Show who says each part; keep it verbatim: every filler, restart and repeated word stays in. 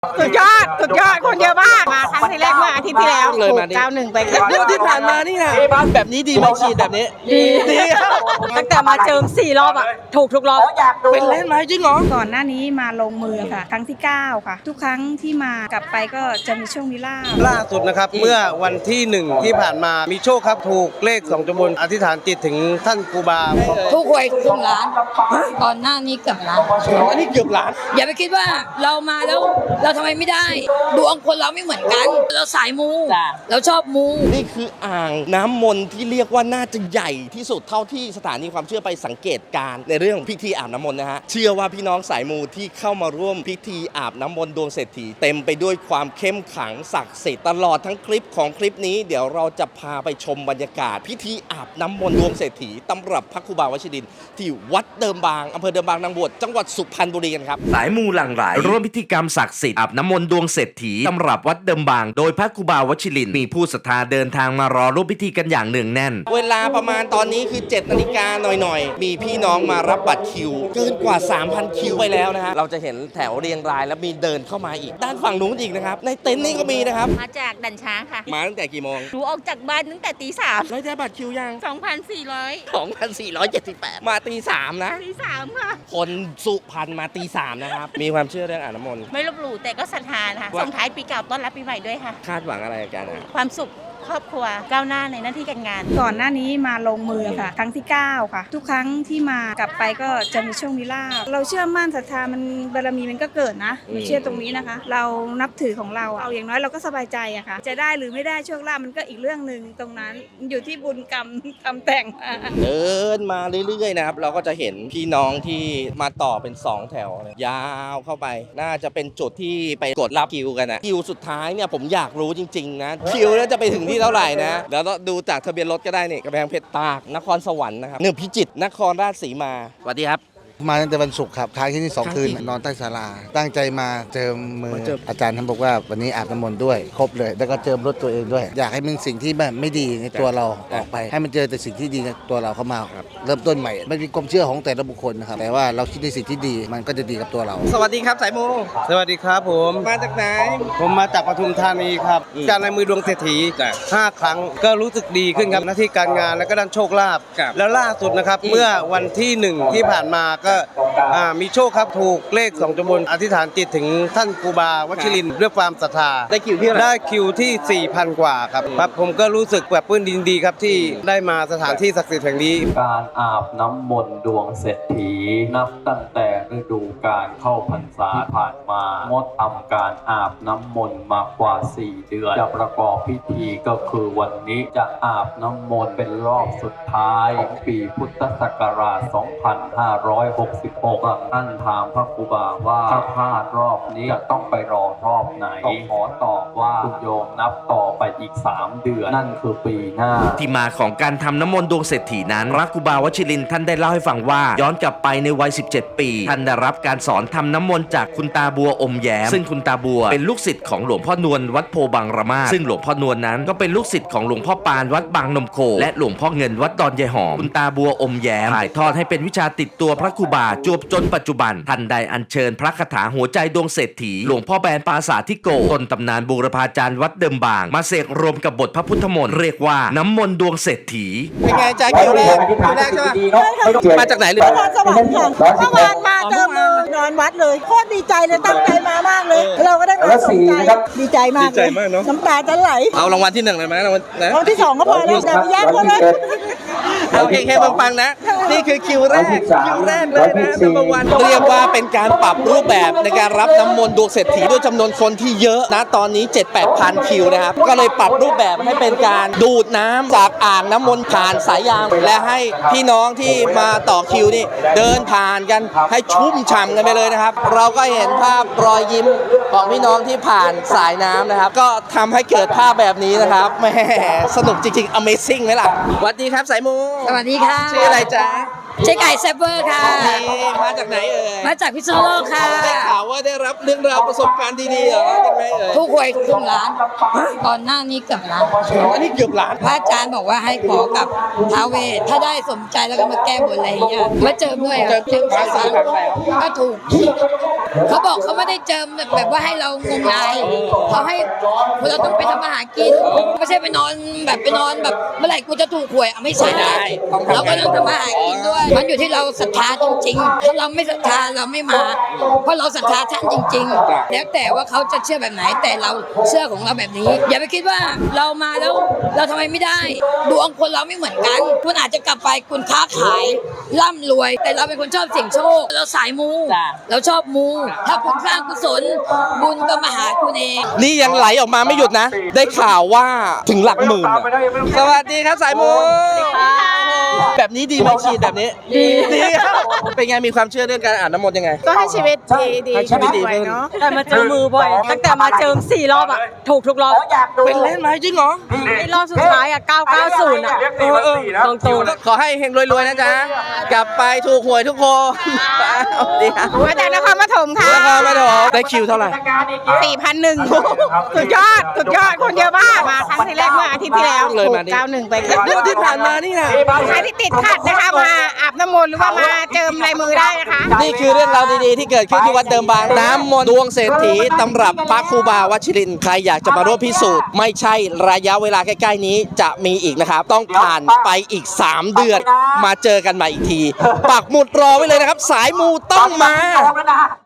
Speaker 1: สุดยอดสุดยอดคนเยอะมากมาครั้งที่แรกเมื่ออาทิตย์ที่แล้วถูกเก้าหนึ่งไป
Speaker 2: เรื่องที่ผ่านมานี่นะแบบนี้ดีไหมฉีดแบบนี้
Speaker 1: ดีดีตั้งแต่มาเจิมสี่รอบอ่ะถูกทุกรอบ
Speaker 2: เป็นเล่นไหมจริงเหรอ
Speaker 3: ก่อนหน้านี้มาลงมือค่ะครั้งที่เก้าค่ะทุกครั้งที่มากลับไปก็จะมีโชคมีลาภ
Speaker 4: ล่าสุดนะครับเมื่อวันที่หนึ่งที่ผ่านมามีโชคครับถูกเลขสองจำนวนอธิษฐานจิตถึงท่านครูบา
Speaker 5: ทุกหวยครึ่งล้านก่อนหน้านี้เกือบล้าน
Speaker 2: อันนี้เกือบล้าน
Speaker 5: อย่าไปคิดว่าเรามาแล้วเราทำไมไม่ได้ดวงคนเราไม่เหมือนกันเราสายมูเราชอบมู
Speaker 2: นี่คืออ่างน้ำมนต์ที่เรียกว่าน่าจะใหญ่ที่สุดเท่าที่สถานีความเชื่อไปสังเกตการในเรื่องพิธีอาบน้ำมนต์นะฮะเชื่อว่าพี่น้องสายมูที่เข้ามาร่วมพิธีอาบน้ำมนต์ดวงเศรษฐีเต็มไปด้วยความเข้มขลังศักดิ์สิทธิ์ตลอดทั้งคลิปของคลิปนี้เดี๋ยวเราจะพาไปชมบรรยากาศพิธีอาบน้ำมนต์ดวงเศรษฐีตำรับพระครูบาวชิรินทร์ที่วัดเดิมบางอำเภอเดิมบางนางบวชจังหวัดสุพรรณบุรีกันครับ
Speaker 6: สายมูหลั่งไหลร่วมพิธีกรรมศักดิ์สิทธิ์อาบน้ำมนต์ดวงเศรษฐีตำรับวัดเดิมบางโดยพระครูบาวชิรินทร์มีผู้ศรัทธาเดินทางมารอร่วมพิธีกันอย่างเนืองแน่น
Speaker 2: เวลาประมาณตอนนี้คือเจ็ดนาฬิกาหน่อยๆมีพี่น้องมารับบัตรคิวเกินกว่า สามพัน คิวไปแล้วนะฮะเราจะเห็นแถวเรียงรายแล้วมีเดินเข้ามาอีกด้านฝั่งนู้นอีกนะครับในเต็นท์นี่ก็มีนะครับ
Speaker 7: มาจากดันช้างค่ะ
Speaker 2: มาตั้งแต่กี่โมง
Speaker 7: หนูออกจากบ้านตั้งแต่ตีสาม
Speaker 2: แล้วได้บัตรคิวยัง
Speaker 7: สองพันสี่ร้อย
Speaker 2: สองพันสี่ร้อยเจ็ดสิบแปด มาตีสามนะ
Speaker 7: ตีสามค่ะ
Speaker 2: คนสุพรรณมาตีสามนะครับมีความเชื่อเรื่องอาบน้ำมนต์
Speaker 7: ไม่ลบหลู่แต่ก็ศรัทธาค่ะส่งท้ายปีเก่าต้อนรับปีใหม่ด้วยค่ะ
Speaker 2: คาดหวังอะไรกันอ่ะ
Speaker 7: ความสุขครอบครัวก้าวหน้าในหน้าที่การงาน
Speaker 3: ก่อนหน้านี้มาลงมือค่ะครั้งที่เก้าค่ะทุกครั้งที่มากลับไปก็จะมีโชคมีลาภเราเชื่อมั่นศรัทธามันบารมีมันก็เกิดนะมันเชื่อตรงนี้นะคะ เรานับถือของเราเอาอย่างน้อยเราก็สบายใจอะค่ะจะได้หรือไม่ได้โชคลาภมันก็อีกเรื่องนึงตรงนั้นอยู่ที่บุญกรรมทำแต่ง
Speaker 2: เดินมาเรื่อยๆนะครับเราก็จะเห็นพี่น้องที่มาต่อเป็นสองแถวยาวเข้าไปน่าจะเป็นจุดที่ไปกดรับคิวกันนะคิวสุดท้ายเนี่ยผมอยากรู้จริงๆนะคิวแล้วจะไปถึงที่เท่าไหร่นะแล้วดูจากทะเบียนรถก็ได้นี่กำแพงเพชรตากนครสวรรค์นะครับหนึ่งพิจิตรนครราชสีมาสวัสดีครับ
Speaker 8: มาตั้งแต่วันศุกร์ครับค้างที่นี่สองคืนนอนใต้ศาลาตั้งใจมาเจิมมืออาจารย์ท่านบอกว่าวันนี้อาบน้ำมนต์ด้วยครบเลยแล้วก็เจิมรถตัวเองด้วยอยากให้มันสิ่งที่แบบไม่ดีในตัวเราออกไปให้มันเจอแต่สิ่งที่ดีในตัวเราเข้ามาเริ่มต้นใหม่มันเป็นความเชื่อของแต่ละบุคคลนะครับแต่ว่าเราคิดในสิ่งที่ดีมันก็จะดีกับตัวเรา
Speaker 2: สวัสดีครับสายมู
Speaker 4: สวัสดีครับผม
Speaker 2: มาจากไหน
Speaker 4: ผมมาจากปทุมธานีครับการในมือดวงเศรษฐีห้าครั้งก็รู้สึกดีขึ้นครับหน้าที่การงานแล้วก็ด้านโชคลาภแล้วล่าสุดนะครับเมื่อวันที่หนึ่งที่ผ่านมาก็มีโชคครับถูกเลขสองจำนวนอธิษฐานจิตถึงท่านครูบาวชิรินทร์ด้วยความศรัทธา
Speaker 2: ได้คิวที่
Speaker 4: ได้คิวที่ สี่พัน กว่าครับครับผมก็รู้สึกแบบปลื้มดินดีครับที่ได้มาสถานที่ศักดิ์สิทธิ์แห่งนี้
Speaker 9: การอาบน้ำมนต์ดวงเศรษฐีนับตั้งแต่ฤดูกาลเข้าพรรษาผ่านมางดทำการอาบน้ำมนต์มากว่าสี่เดือนจะประกอบพิธีก็คือวันนี้จะอาบน้ำมนต์เป็นรอบสุดท้ายของปีพุทธศักราชสองพันห้าร้อยหกสิบหกท่านถามพระครูบาว่าถ้าพลาดรอบนี้จะต้องไปรอรอบไหนต้องขอตอบว่าคุณโยมนับต่อไปอีกสามเดือนนั่นคือปีหน้า
Speaker 6: ที่มาของการทำน้ำมนต์ดวงเศรษฐีนั้นพระครูบาวชิรินทร์ท่านได้เล่าให้ฟังว่าย้อนกลับไปในวัยสิบเจ็ดปีท่านได้รับการสอนทำน้ำมนต์จากคุณตาบัวอมแย้มซึ่งคุณตาบัวเป็นลูกศิษย์ของหลวงพ่อนวลวัดโพบางระมาซึ่งหลวงพ่อนวลนั้นก็เป็นลูกศิษย์ของหลวงพ่อปานวัดบางนมโคและหลวงพ่อเงินวัดดอนยายหอมคุณตาบัวอมแย้มถ่ายทอดให้เป็นวิชาติดตัวพระครูบาจวบจนปัจจุบันท่านได้อัญเชิญพระคาถาหัวใจดวงเศรษฐีหลวงพ่อแบนปราสาททิโกต้นตำนานบูรพาจารย์วัดเดิมบางมาเสกรวมกับบทพระพุทธมนต์เรียกว่าน้ำมนต์ดวงเศรษฐี
Speaker 2: เป็นไงใจคิวแรกคิวแรกใช่ไหมมาจากไหนเลย
Speaker 1: นครสวรรค์ค่ะเมื่อวานมาเจอมือนอนวัดเลยโคตรดีใจเลยตั้งใจมามากเลยเราก็ได้มาสนใจดีใจมากเลยน้ำตาจะไหล
Speaker 2: เอารางวัลที่หนึ่งเลยไหมรางวัล
Speaker 1: รางวัลที่สองก็พอแล้วแต่ไม่ยากก็เลย
Speaker 2: โอเคแค่ปังๆนะนี่คือคิวแรกคิวแรกเลยนะนัมเบอร์วันเรียกว่าเป็นการปรับรูปแบบในการรับน้ำมนต์ดวงเศรษฐีด้วยจำนวนคนที่เยอะนะตอนนี้ เจ็ดแปดพัน คิวนะครับก็เลยปรับรูปแบบให้เป็นการดูดน้ำจากอ่างน้ำมนต์ผ่านสายยางและให้พี่น้องที่มาต่อคิวนี่เดินผ่านกันให้ชุ่มฉ่ำกันไปเลยนะครับเราก็เห็นภาพรอยยิ้มของพี่น้องที่ผ่านสายน้ำนะครับก็ทำให้เกิดภาพแบบนี้นะครับแหมสนุกจริงๆ Amazing ไหมล่ะสวัสดีครับสายมู
Speaker 5: สวัสดีค่ะ
Speaker 2: ชื่ออะไรจ๊ะ
Speaker 5: เจ๊ไก่แซฟเวอร์ค่ะ
Speaker 2: นี่มาจากไหนเอ่ย
Speaker 5: มาจากพิษณุโลกค่ะ
Speaker 2: ได้ข่าวว่าได้รับเรื่องราวประสบการณ์ดีๆเหรอยังไงเอ่ย
Speaker 5: ทุกหวยครึ่งล้านก่อนหน้านี้เกือบล้าน
Speaker 2: อันนี้เกือบล้าน
Speaker 5: พระอาจารย์บอกว่าให้ขอกับท้าวเวสถ้าได้สมใจแล้วก็มาแก้บนอะไรอย่างเงี้ยมาเจิมด้วยอะเจิมสามครั้งก็ถูก เขาบอกเขาไม่ได้เจิมแบบแบบว่าให้เรางมงายเขาให้เราต้องไปทำอาหารกินไม่ใช่ไปนอนแบบไปนอนแบบเมื่อไหร่กูจะถูกหวยอ่ะไม่ใช่เราก็ต้องทำอาหารกินด้วย มันอยู่ที่เราศรัทธาจริงๆถ้าเราไม่ศรัทธาเราไม่มา เพราะเราศรัทธาท่านจริง ๆ แล้วแต่ว่าเขาจะเชื่อแบบไหนแต่เราเชื่อของเราแบบนี้ อย่าไปคิดว่าเรามาแล้วเราทำไมไม่ได้ดวงคนเราไม่เหมือนกันคุณอาจจะกลับไปคุณค้าขายร่ำรวย แต่เราเป็นคนชอบเสี่ยงโชคเราสายมูเราชอบมู ถ้าคุณสร้างกุศลบุญก็มาหาคุณเอง
Speaker 2: นี่ยังไหลออกมาไม่หยุดนะ ได้ข่าวว่าถึงหลักหมื่นอะสวัสดีครับสายมูแบบนี้ดีไหมฉีดแบบนี้ ดีดีครับเป็นไงมีความเชื่อเรื่องการอาบน้ำมนต์ยังไง
Speaker 1: ก็ให้ชีวิตดีดี
Speaker 2: ให้ชีวิตดีขึ้น
Speaker 1: เนาะแต่มาเจอมือบ่อย ตั้งแต่มาเจิมสี่รอบอ่ะ ถูกทุกรอบ
Speaker 2: เป็นเล่นไหมจริงเหรอ
Speaker 1: ไอ้รอบสุดท้ายอ่ะเก้าเก้าศูนย์อ่ะ
Speaker 2: เออเออ
Speaker 1: ตรงตรง
Speaker 2: ขอให้เฮงรวยๆนะจ๊ะ กลับไปถูกหวยทุกคนดีครับ
Speaker 1: มาจากนครปฐมค่ะ
Speaker 2: แล้วก็ไม่ถูกได้คิวเท่าไหร่
Speaker 1: สี่พันหนึ่งสุดยอด สุดยอด คนเยอะมาก มาครั้งที่แรกเมื่ออาทิตย์ที่แล้ว
Speaker 2: เลย
Speaker 1: ถู
Speaker 2: มาก ดิ
Speaker 1: เก้าหนึ่งไป
Speaker 2: เมื่อที่ผ่านมานี่นะ
Speaker 1: ใครที่ติดขัดนะคะมาอาบน้ำมนต์หรือว่ามาเจิมลายมือได้นะคะ
Speaker 2: นี่คือเรื่องราวดีๆที่เกิดขึ้นที่วัดเดิมบางน้ำมนต์ดวงเศรษฐีตำรับพระครูบาวชิรินทร์ใครอยากจะมาร่วมพิสูจน์ไม่ใช่ระยะเวลาใกล้ๆนี้จะมีอีกนะครับ ต้องผ่านไปอีก สาม เดือนมาเจอกันใหม่อีกที ปักหมุดรอไว้เลยนะครับ สายมูต้องมา